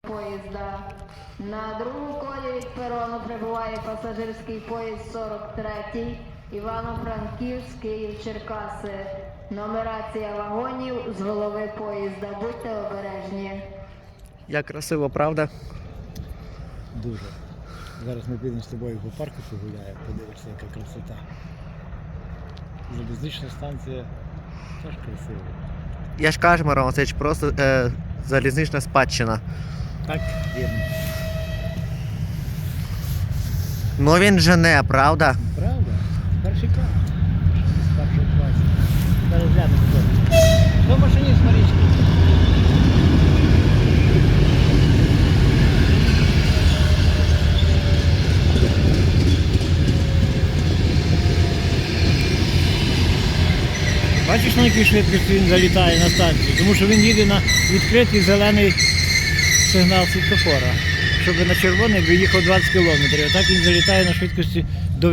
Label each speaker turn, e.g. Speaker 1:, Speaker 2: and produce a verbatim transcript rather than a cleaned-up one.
Speaker 1: поїзда. На другому колі від перону прибуває пасажирський поїзд сорок третій Івано-Франківськ, Київ-Черкаси. Нумерація вагонів з голови поїзда. Будьте обережні.
Speaker 2: Як красиво, правда?
Speaker 3: Дуже. Зараз ми підемо з тобою по парку погуляємо, подивишся, яка красота. Залізнична станція теж красива.
Speaker 2: Я ж кажу, Мирон Васильович, просто е, залізнична спадщина.
Speaker 3: Так, вірно.
Speaker 2: Ну він жене, правда?
Speaker 3: Правда? Перший клас. З першого класу. Зараз глянемо хто. Хто машиніст, Марічка? Бачиш, на якій швидкості він залітає на станцію? Тому що він їде на відкритий зелений сигнал світлофора. Щоб на червоний виїхав двадцять кілометрів. А так він залітає на швидкості до